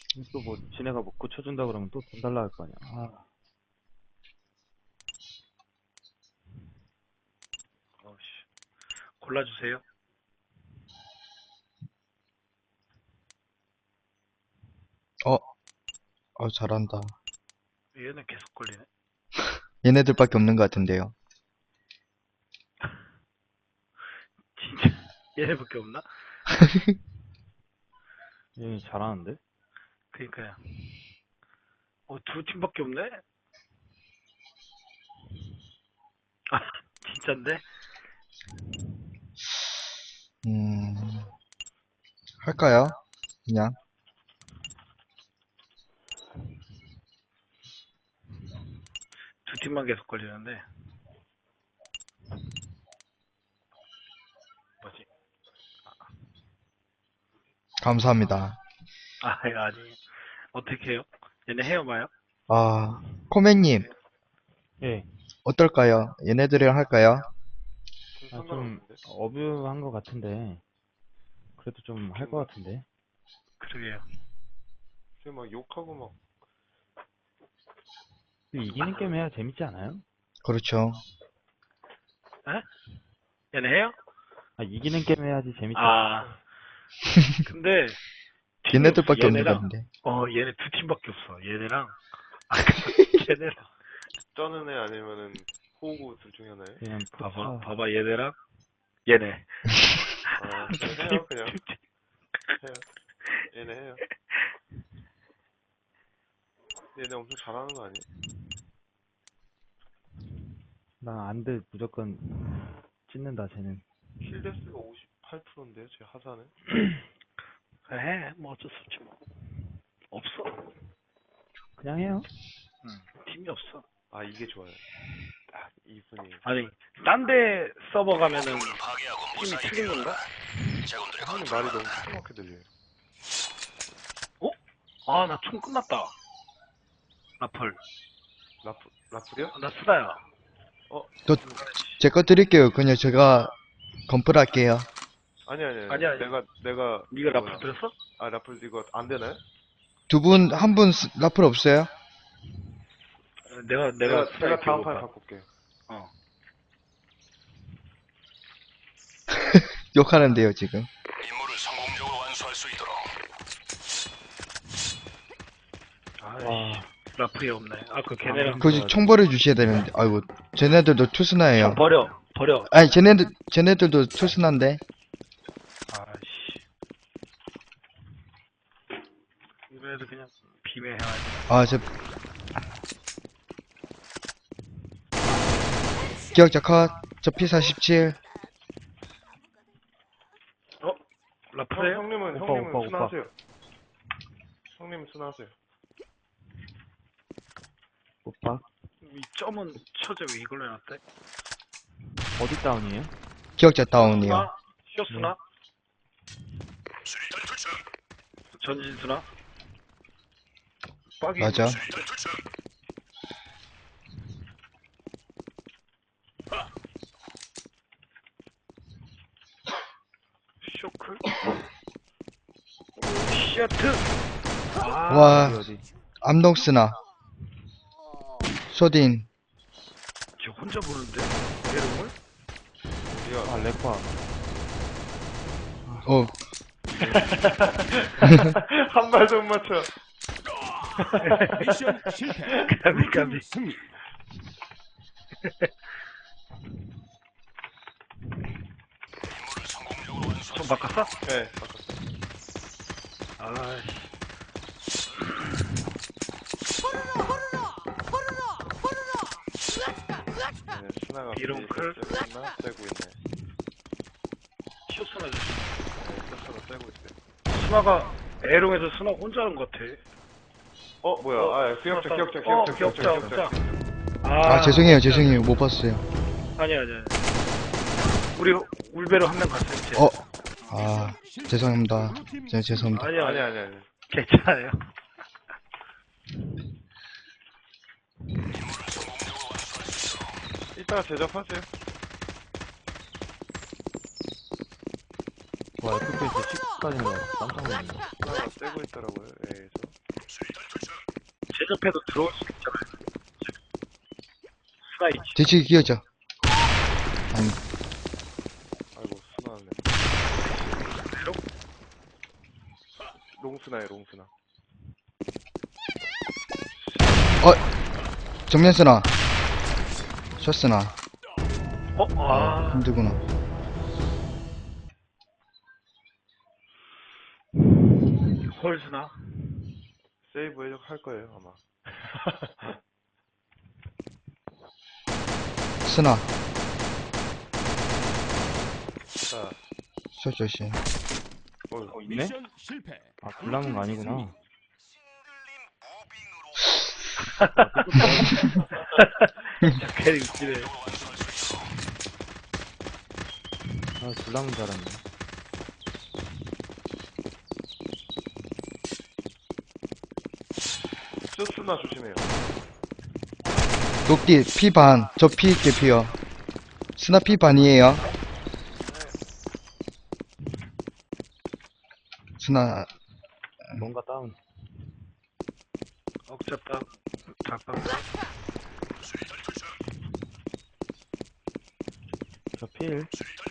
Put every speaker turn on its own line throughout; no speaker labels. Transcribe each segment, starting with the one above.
또 뭐, 지네가 뭐 고쳐준다 그러면 또 돈 달라 할 거 아니야. 아,
어씨. 골라주세요.
어, 잘한다.
얘는 계속 걸리네.
얘네들밖에 없는 것 같은데요.
진짜. 얘네밖에 없나?
얘 잘하는데?
그니까요. 두 팀밖에 없네? 아, 진짠데?
음, 할까요? 그냥.
두 팀만 계속 걸리는데. 뭐지?
감사합니다.
이거 아니. 어떻게 해요? 얘네 헤어봐요?
아, 코맹님,
예.
어떨까요? 얘네들이랑 할까요?
아, 좀, 어뷰한 것 같은데. 그래도 좀 할 것 같은데.
그러게요.
지금 막 욕하고 막
이기는 게임 해야 재밌지 않아요?
그렇죠.
에? 얘네 헤어?
아, 이기는 게임 해야지 재밌지.
아, 근데 팀이 없어.
얘네들밖에 없는 것
얘네랑
같은데.
얘네 두 팀밖에 없어. 얘네랑 걔네랑
쩌는 애 아니면은 호구 둘 중에 하나에.
그냥
봐봐 얘네랑 얘네.
해요 그냥 해요. 얘네 해요. 얘네 엄청 잘하는 거 아니에요?
나 안돼 무조건 찢는다, 쟤는.
킬데스가 58%인데요, 제 하사는.
해, 뭐 어쩔 수 없지 뭐. 없어.
그냥 해요.
팀이 없어.
아 이게 좋아요. 딱 이분이.
아니, 딴 데 서버 가면은 팀이 틀린 건가?
형님 말이 너무 시끄럽게 들려요.
나 총 끝났다. 라플.
라플이요?
나 쓰다야.
제 거 드릴게요. 그냥 제가 건플 할게요.
아니.
아니야.
내가
네가
뭐야.
라플 들었어?
아 라플 이거 안 되나요?
두 분, 한 분 라플 없어요?
내가
제가 다음 판에 바꿀게요.
욕하는데요, 지금.
임무를 성공적으로 완수할 수 있도록.
와,
라플이 없네. 걔네랑
굳이 총 버려주셔야 되는데. 아이고, 쟤네들도 투스나예요.
총 버려.
아니, 쟤네들도 투스난데.
아씨. 이번에도 그냥 비매해야지.
아, 기억자 컷. 저 P47.
라플에
형님은
오빠.
순하세요. 형님은 순하세요.
오빠.
이 점은 처제 왜 이걸로 해놨대?
어디 다운이에요?
기억자 다운이요.
쇼스나?
수리탄 투척.
전진수나? 빡이
맞아.
수리탄 투척.
쇼크? 시아트!
와,
어디?
암동스나. 쇼딘.
저 혼자 보는데? 내름을?
우리가
아, 렉화.
어,
한 발도 못 맞춰.
미션 실패.
까비.
승리. 임무를 성공적으로 완수할
좀
수
바꿨어?
네, 바꿨어.
아이씨.
네, 스나가
비롱클?
나 떼고 있네.
쇼스나 줬어.
네, 스스로 떼고 있어요.
스나가 에롱에서 스나 혼자 하는 것 같아.
뭐야? 기억자.
아, 죄송해요. 못 봤어요.
아니야. 우리 울베로 한 명 갔어요. 쟤.
아, 죄송합니다. 죄송합니다.
아니야. 괜찮아요.
이따가 제접하세요.
와, FPS 까지는 깜짝 놀랐네.
하나 떼고 있더라고요. A에서.
제접해도 들어올 수 있잖아요. 스나 있지.
뒤치기 끼워져. 아니,
아이고 순하네. 롱스나에 롱스나.
정면 쓰나? 숏 쓰나?
아,
힘들구나.
홀 스나.
세이브 할 거예요 아마.
쓰나?
자,
숏 조심.
있네?
미션 실패.
아, 불나는 거 아니구나.
캐릭 웃기네.
아, 불나는 줄 알았네.
쇼스나 조심해요.
녹디 피 반. 저 피 있게 피요. 스나 피 반이에요. 스나
뭔가 다운.
억잡다. 닭방.
저 필.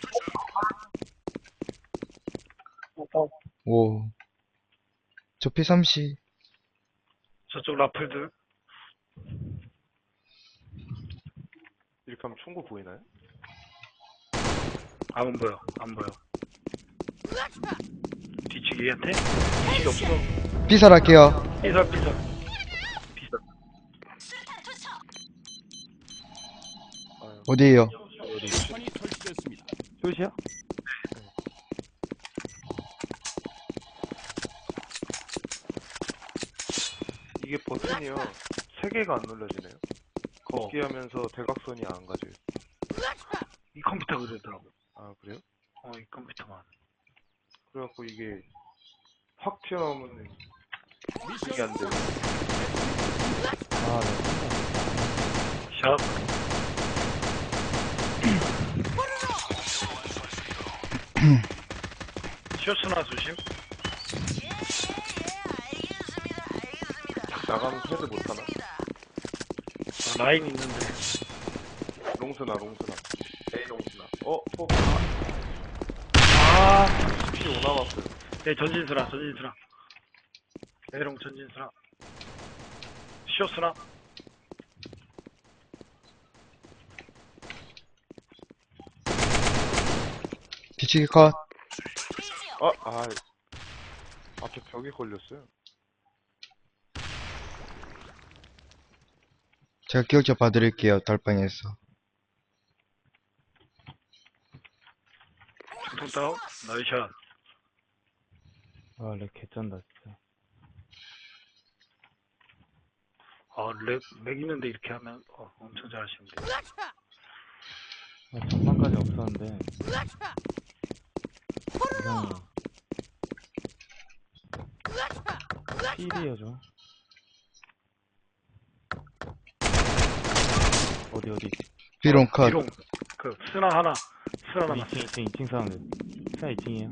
오. 저 피 30.
저쪽 라플들.
이렇게 하면 총구 보이나요?
안 보여. 안 보여. 뒤치기한테? 뒤치기 없어.
피살할게요.
삐설 삐설. 삐설.
아유,
어디에요?
폭탄이 설치됐습니다.
숏이야?
이게 버튼이요. 3개가 안 눌러지네요. 걷기 하면서 대각선이 안 가져요.
이 컴퓨터가 그러더라고.
아 그래요?
이 컴퓨터만.
그래갖고 이게 확 튀어나오면 이게 안
미션
돼요.
아, 네.
샷. 쇼스나 조심.
나가면 헤드 못하나?
라인 있는데.
롱스나 롱스나 A 롱스나 폭
아,
피 5 남았어요.
네, 전진수나, 전진수나. 에롱 전진수나. 쇼스나.
뒤치기 컷.
앞에 벽에 걸렸어요.
제가 기억자 봐드릴게요. 달방에서.
중통 다운. 나이샷.
아, 렉 개쩐다, 진짜.
렉 있는데 이렇게 하면, 엄청 잘하시는데.
아, 전반까지 없었는데. 이상해. 필이에요, 저. 어디.
비롱 컷.
비롱. 스나 하나. 스나 하나.
2층 사운드. 스나 2층이에요.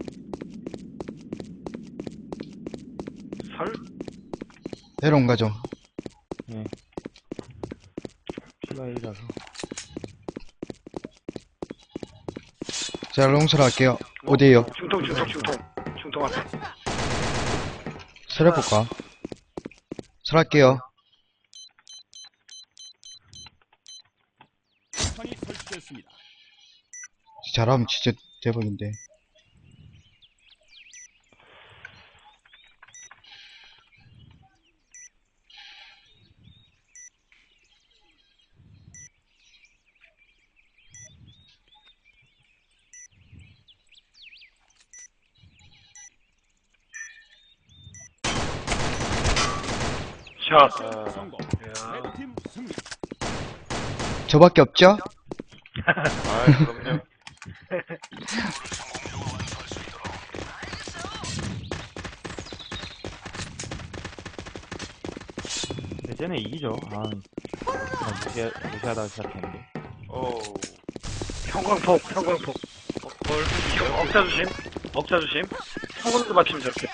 설?
에롱 가죠.
네. 피가 1이라서.
제가 롱설 할게요. 어디에요?
중통 앞에.
설 해볼까? 설 할게요.
폭탄이 설치됐습니다.
잘하면 진짜 대박인데.
샷.
성공.
야.
레드팀 승리.
저밖에 없죠?
그럼요.
근데 쟤네 이기죠. 무시하다가 시작했는데.
형광폭. 억자 조심. 한 군데 맞추면 저렇게.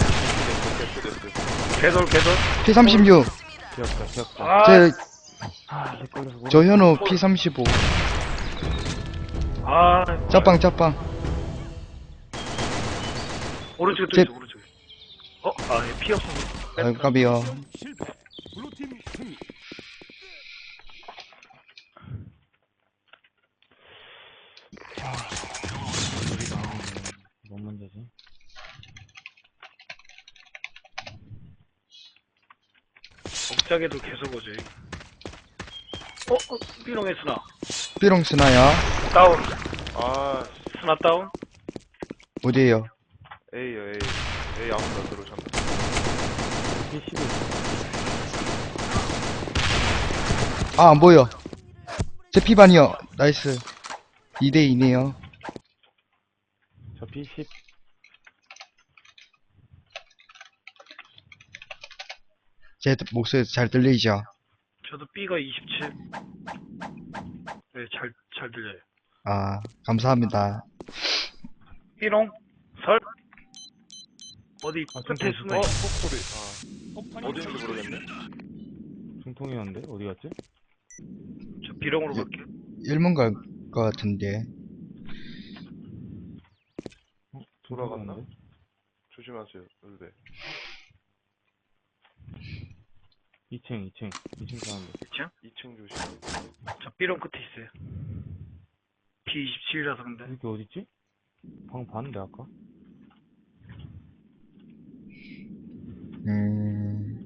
됐어.
개돌.
P36.
기억자.
아,
내 걸려서
저 현우 P35.
아,
짜빵.
오른쪽에 또
제-
있어, 오른쪽에. 얘 피 없어.
아이고, 까비요.
미션 실패. 블루팀 승리.
뭔 문제지?
억작에도 계속 오지. 삐롱의 스나.
삐롱 스나야.
다운.
아,
스나 다운.
어디에요?
A요, A. A 아무나 들어오셨네.
P11.
아, 안 보여. 제 P반이요. 나이스. 2대2네요.
저 P10.
제 목소리 잘 들리죠?
저도 B가 27. 네, 잘 들려요.
아, 감사합니다.
삐롱. 설. 어디 끝에
중통,
숨어 있어.
폭소리.
폭탄이
어딘지
설치됐습니다.
모르겠네.
중통이었는데? 어디 갔지?
저 B롱으로
예.
갈게요.
1문 갈 것 같은데.
돌아갔나?
중통이었는데?
조심하세요, 울베.
2층 사운드.
2층?
2층 조심.
저 B롱 끝에 있어요. P27이라서 근데.
이게 어딨지? 방금 봤는데, 아까?
음.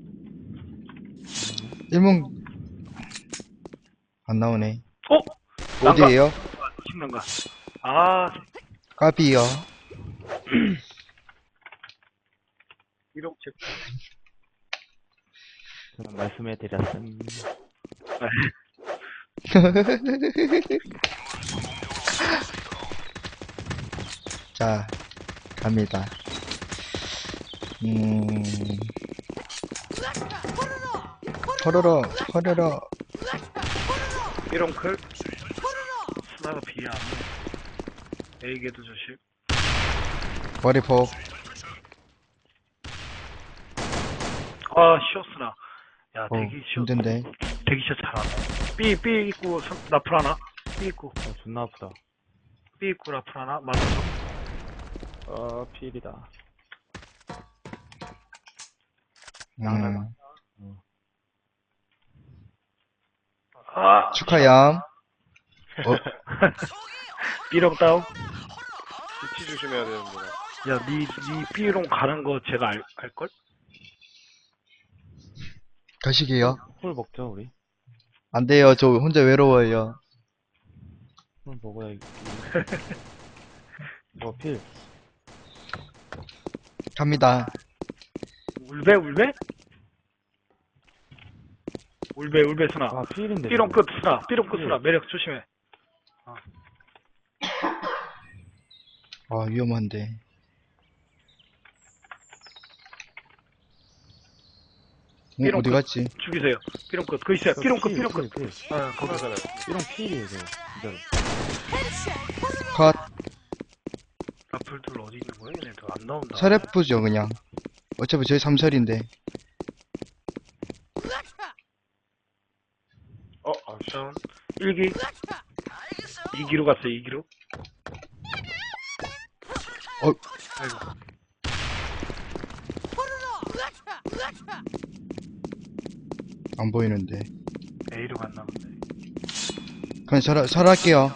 1문 안 나오네.
난가?
어디에요?
식난가. 아,
까비요.
B롱 체크.
저는 말씀해드렸음.
자, 갑니다. 허러러.
B롱 클. 스나가 B야. A게도 조심.
머리폭.
쇼스나. 야, 대기 쇼.
힘든데.
대기샷 잘하네. B 있고, 라플 하나. B 있고,
존나 아프다.
B 있고, 라플 하나. 맞았어.
필이다.
축하얌.
B롱 다운.
위치 조심해야 되는구나.
야, 니 B롱 가는 거 제가 알걸?
가시게요.
홀 먹죠, 우리?
안 돼요. 저 혼자 외로워요.
홀 먹어야지. 필.
갑니다.
울베? 울베 스나.
아, 필인데.
B롱
저거.
끝 스나. B롱 끝 스나. 매력 조심해.
아, 위험한데.
삐롱
어디
끝.
갔지?
죽이세요. B롱 끝. 그 있어요.
저
B롱 끝,
필,
B롱 끝.
필.
거기.
하나잖아요.
이런 필이에요, 저거. 진짜로.
컷.
라플들 어디 있는 거야? 얘네들 안 나온다.
서랩부죠, 그냥. 어차피 저희 삼설인데.
아씨.
다운. 1기. 2기로 갔어요, 2기로. 아이고.
안 보이는데.
A로 갔나 본데.
그냥 설할게요.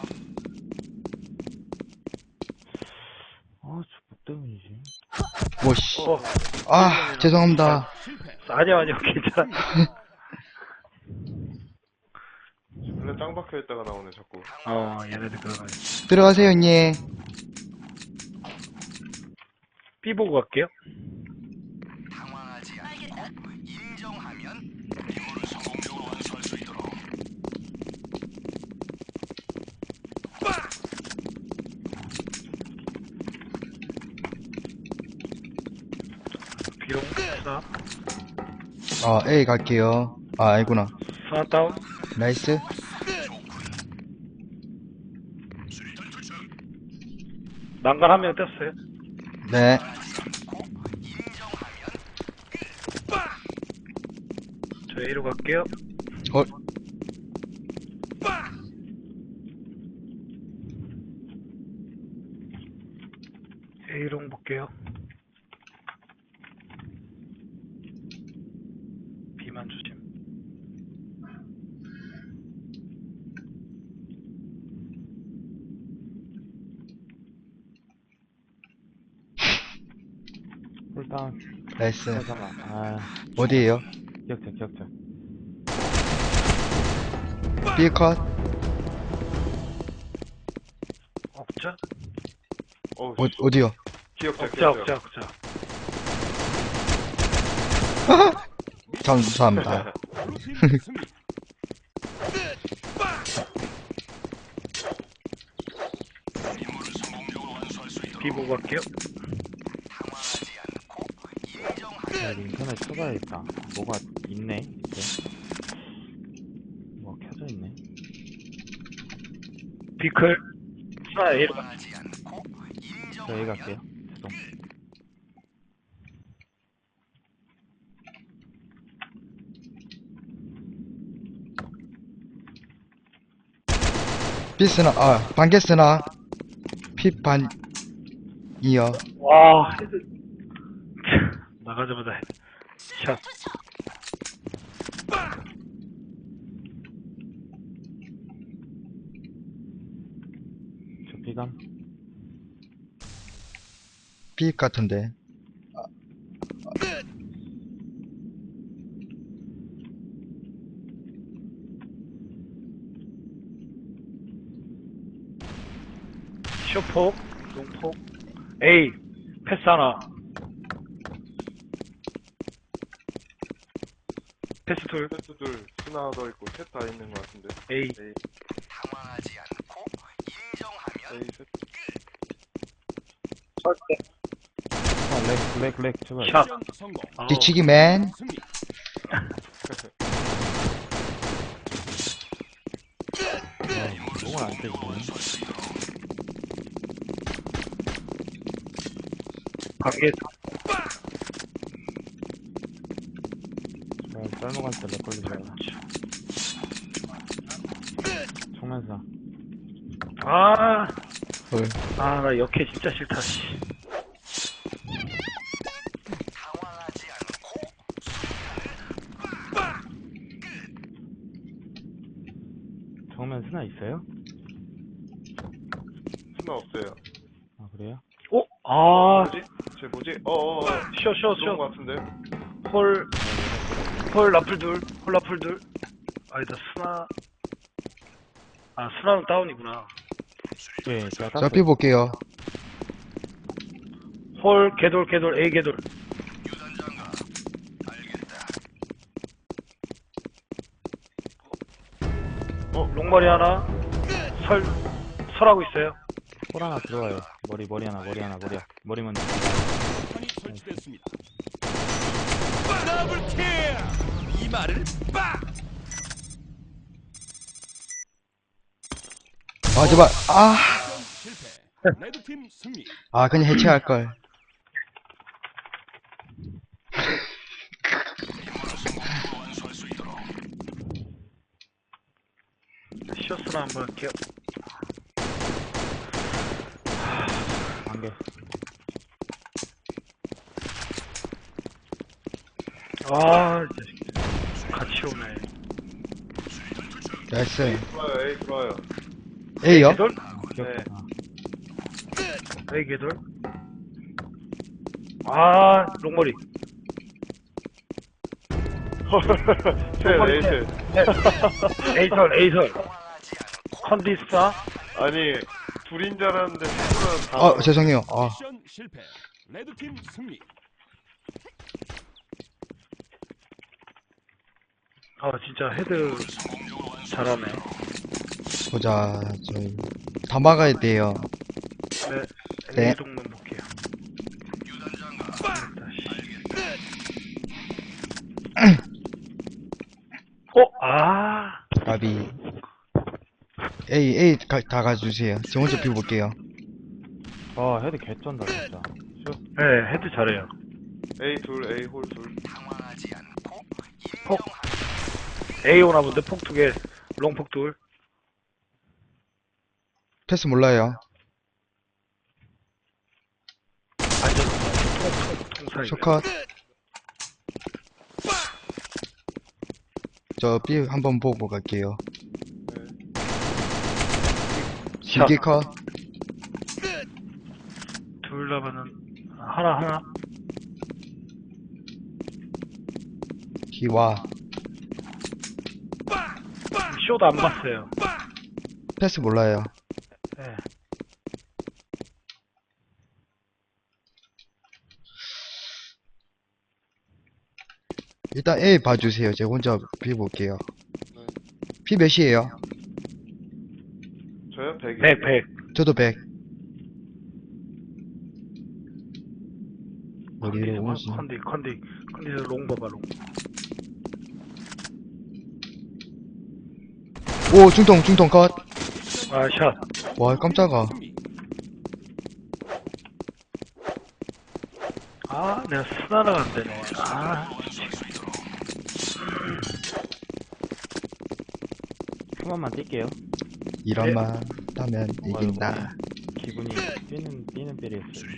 아, 저 때문이지.
뭐씨. 아, 죄송합니다.
실패.
아니야, 괜찮아.
원래 땅 박혀있다가 나오네, 자꾸.
얘네들 그러가지고.
들어가세요, 형님.
B 보고 갈게요. B롱 스나.
A 갈게요. 아, 아니구나.
스나 다운.
나이스.
난간 한 명 떴어요.
네.
저 A로 갈게요.
어,
A롱 볼게요. B만 조심.
홀다운.
나이스.
잠깐만. 아,
어디에요?
기억자, 기억자.
B 컷.
억자?
어우,
어디요?
기억자,
억자,
기억자.
억자, 억자.
감사합니다.
블루팀 승리.
B 보고 갈게요.
야, 인터넷 쳐봐야겠다. 뭐가 있네, 이제. 뭐가 켜져 있네.
B클. 아, A로 가.
저 A 갈게요. 죄송.
B 쓰나, 반개 쓰나. P 반이요.
와, 헤드. 나가자마자 헤드. 샷.
저 B감.
B 같은데.
쇼폭, 농폭. A. 패스 하나. 패스 둘.
세트 둘, 스나 더 있고, 셋 다 있는 것 같은데.
A.
A 세트.
렉, 제발.
샷.
미션 성공.
아우.
뒤치기 맨.
승리.
목은 안 떼지네.
관계.
짤먹할 때렉 걸리지 말라. 총면사.
아,
헐.
아, 나 역해 진짜 싫다, 씨.
정면 스나 있어요?
스나 없어요.
아, 그래요?
어? 아,
뭐지? 쟤 뭐지?
쇼.
그런 것 같은데?
홀 라플 둘, 홀 라플 둘. 아니다, 스나. 아, 스나는 다운이구나.
예, 제가
저
땄어요.
B 볼게요.
홀, 개돌, A 개돌. 롱머리 하나. 설하고 있어요.
홀 하나 들어와요. 머리 하나. 머리 먼저.
폭탄이 설치됐습니다. 더블킬. 이 말을 빡.
제발.
미션 실패. 레드팀 승리.
그냥 해체할걸.
쇼스나 한번 할게요.
관계.
아, 이제 같이 오네.
나이스.
좋아요, A 좋아요.
A요?
개돌?
기억자.
A 개돌. 아, 롱머리.
셋, A 셋.
에이설. 컨디스타.
아니, 둘인 줄 알았는데, 둘은 다.
죄송해요.
미션 실패. 레드팀 승리.
아, 진짜 헤드 잘하네.
보자, 저희. 다 막아야 돼요.
네.
네.
A 동만 볼게요.
가비. A 다 가주세요. 저 혼자 B 볼게요.
헤드 개쩐다, 진짜. 슛.
네, 헤드 잘해요.
A 둘, A 홀 둘.
폭. A 오나 본데 폭 2개, 롱폭 둘.
패스 몰라요.
완전 통사이.
쇼컷. 저 B 한번 보고 갈게요.
샷.
길게 컷.
둘 남으면 하나.
기와.
쇼도 안 봤어요.
패스 몰라요.
네.
일단 A 봐주세요. 제가 혼자 B 볼게요. B 몇이에요?
저요? 100이.
100.
저도 100. 어디로 오지?
컨디션 롱 봐봐, 롱.
오, 중통 컷.
아, 샷.
와, 깜짝아.
승리.
아, 내가 스나가 안 되네. 아,
한 번만 뛸게요.
이런만 따면 이긴다.
기분이 뛰는 삘이었어요.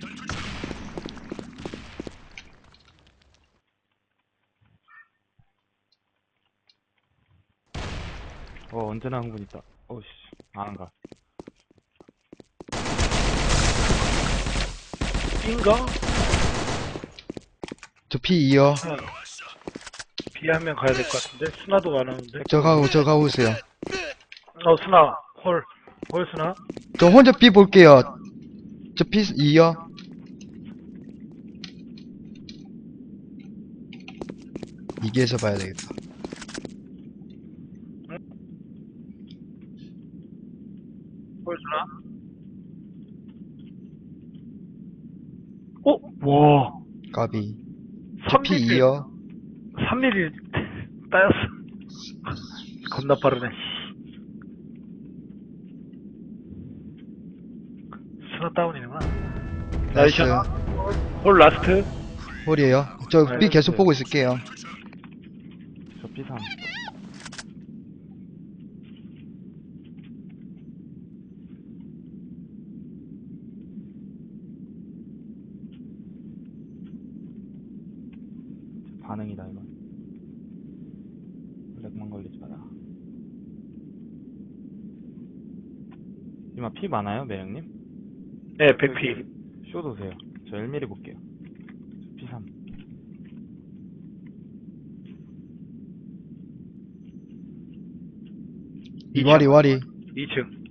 언제나 흥분 있다. 어씨, 안 가.
B인가?
저 P2요.
B 한 명 가야 될 것 같은데? 스나도 안 오는데?
저 가고 있어요.
스나. 홀 스나?
저 혼자 B 볼게요. 저 P2요. 이기에서 봐야 되겠다.
홀 스나? 와.
까비. 저 P2요.
3mm 따였어. 겁나 빠르네. 스나 다운이구나.
나이스.
홀 라스트.
홀이에요. 저 B 계속 보고 있을게요.
저 P3. 반응이다 이건. 렉만 걸리지 마라. 이마 피 많아요, 매형님?
네, 100P.
쇼 도세요. 저 1mm 볼게요. P3.
와리.
2층.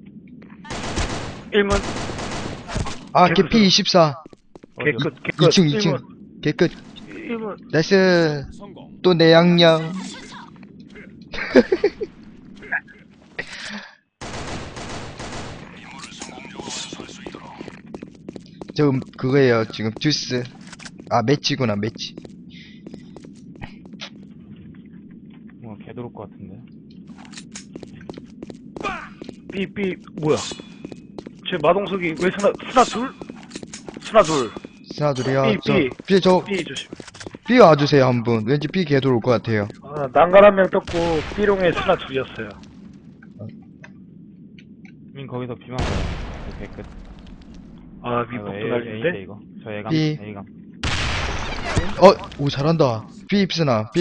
1문.
아,
계속
걔 P24.
개끝.
2층. 개끝.
1문.
나이스.
성공.
또 내 양념. 저 그거예요. 지금 주스. 아, 매치구나, 매치.
뭔가 개도를 것 같은데.
B, 뭐야. 제 마동석이 왜 스나 둘? 스나 둘.
스나들이요.
B.
저
B 조심.
B 와주세요, 한 분. 왠지 B 개돌 올 것 같아요.
아, 난간 한 명 떴고, B롱에 스나 둘이었어요.
민 거기서 비만 봐요. 저 개끝.
아,
이거
미폭도
A인데
날리는데?
이거. 저 A감.
B.
A감.
오, 잘한다. B 입스나.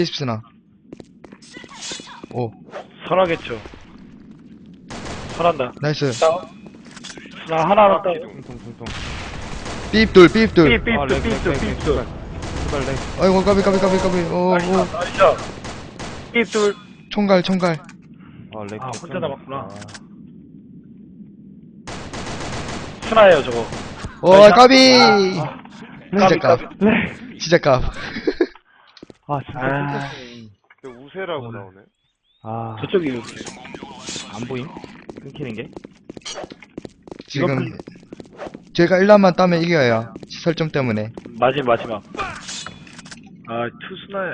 오,
선하겠죠. 선한다.
나이스.
다운. 스나 하나만 다운.
퉁퉁퉁퉁.
B 입돌.
B.
제발 렉.
아이고, 까비. 오,
나이스. B 둘.
총갈.
렉.
아, 혼자 남았구나.
아,
스나예요, 저거.
오, 까비. 진짜 깝.
렉.
진짜 깝.
아, 진짜
아.
깜짝이야.
근데 우세라고 나오네.
아,
저쪽이
안 보임? 끊기는 게?
지금 제가 1라만 따면 이겨요. 설정 때문에.
마지막. 아, 투 스나야.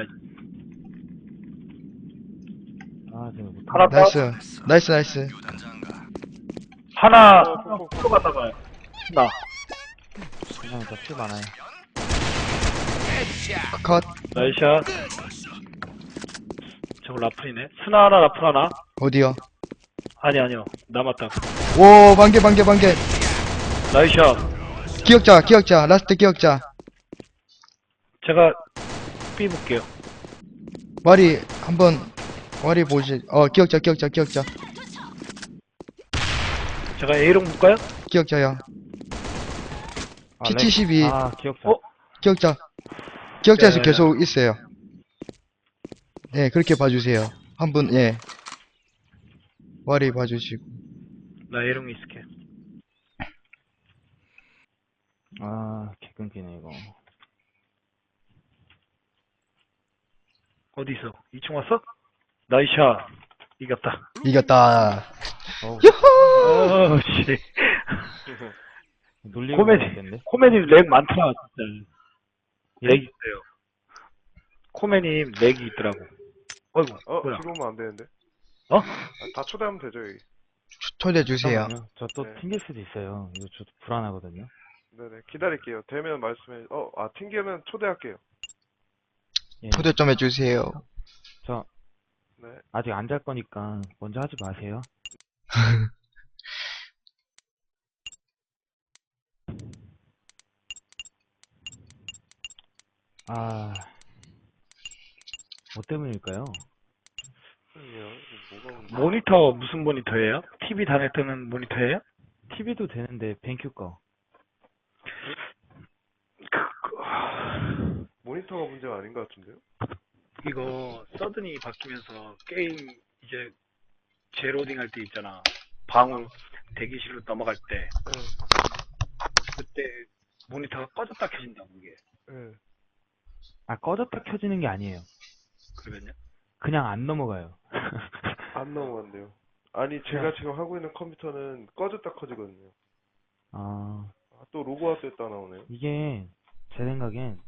아, 제가 못.
하나 다운.
나이스.
하나 또 갔다가요. 스나.
세상에 저피 많아요.
컷.
나이샷. 저거 라플이네. 스나 하나, 라플 하나.
어디요?
아니요. 남았다.
오, 반개.
나이샷.
기억자. 라스트 기억자.
제가 B 볼게요.
와리, 보시, 기억자.
제가 A롱 볼까요?
기억자요.
아, 렉.
P72.
아, 기억자.
어?
기억자에서
네.
계속 있어요. 네, 그렇게 봐주세요. 한 분, 예. 와리 봐주시고.
나 A롱에 있을게.
아, 개 끊기네, 이거.
어디 있어? 2층 왔어? 나이샷. 이겼다.
이겼다.
어우,
어우, 씨.
놀리고
코미디.
있겠는데?
코메님 렉 많더라, 진짜. 렉이 있어요. 코메님 렉이 있더라고. 어이구, 뭐야.
지금 오면 안 되는데.
어?
아, 다 초대하면 되죠, 여기.
초대해주세요.
잠깐만요. 저 또
네.
튕길 수도 있어요. 이거 저도 불안하거든요.
네네, 기다릴게요. 되면 말씀해. 튕기면 초대할게요.
예.
초대 좀 해주세요.
저
네.
아직 안 잘 거니까 먼저 하지 마세요. 아, 뭐 때문일까요?
아니요, 뭐가 문제?
모니터 무슨 모니터예요? TV 단에 뜨는 모니터예요?
TV도 되는데 뱅큐 거.
모니터가 문제가 아닌 것 같은데요?
이거 서든이 바뀌면서 게임 이제 재로딩 할 때 있잖아. 방울 대기실로 넘어갈 때
네.
그때 모니터가 꺼졌다 켜진다고 이게.
네.
아, 꺼졌다 켜지는 게 아니에요.
그러면요?
그냥 안 넘어가요.
안 넘어간대요. 아니, 제가 지금 하고 있는 컴퓨터는 꺼졌다 커지거든요.
아,
또 로그아웃 됐다 나오네요.
이게 제 생각엔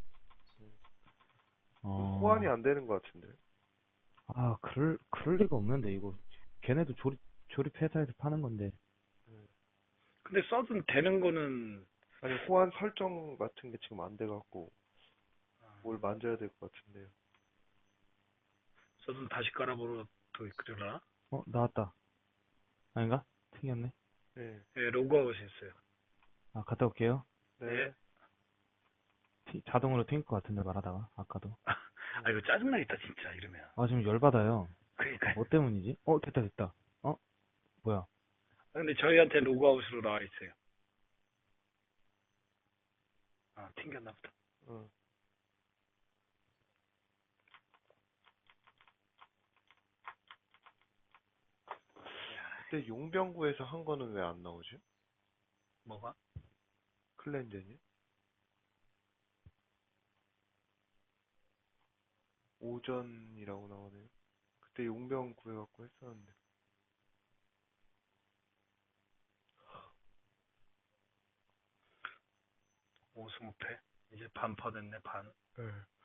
호환이 안 되는 것 같은데.
아, 그럴 리가 없는데 이거 걔네도 조립 회사에서 파는 건데.
근데 서든 되는 거는
아니, 호환 설정 같은 게 지금 안 돼갖고 뭘 만져야 될 것 같은데요.
서든 다시 깔아보러 또 그러나?
나왔다. 아닌가? 튕겼네.
네.
예, 로그아웃 했어요.
아, 갔다 올게요.
네.
자동으로 튕길 것 같은데 말하다가 아까도.
아 이거 짜증나겠다 진짜 이러면.
아, 지금 열받아요.
그러니까.
뭐 때문이지? 됐다. 뭐야?
근데 저희한테 로그아웃으로 나와 있어요. 아 튕겼나 보다.
어. 그때 용병구에서 한 거는 왜 안 나오지?
뭐가?
클렌저니? 오전이라고 나오네요. 그때 용병 구해갖고 했었는데.
오승우패? 이제 반퍼 됐네 반.
네.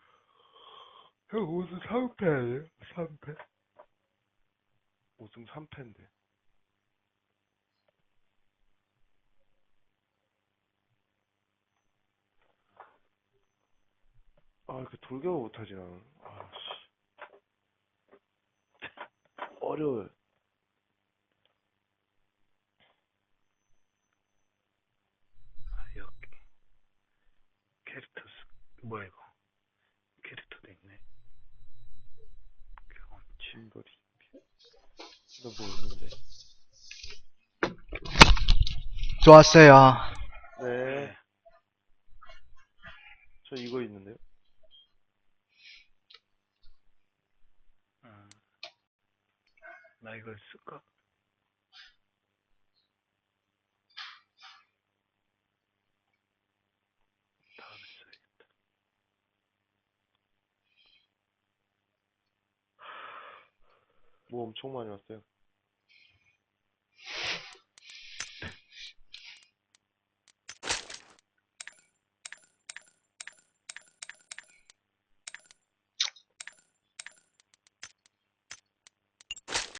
형 우승 3패 아니에요? 3패? 우승 3패인데. 그 돌격을 못하지 나는. 어려워요.
여기 캐릭터 뭐야 이거? 캐릭터도 있네. 경험치.
짐벌이. 너 뭐 있는데?
좋았어요.
네. 저 이거 있는데요?
나 이걸 쓸까? 다음에 써야겠다.
뭐 엄청 많이 왔어요.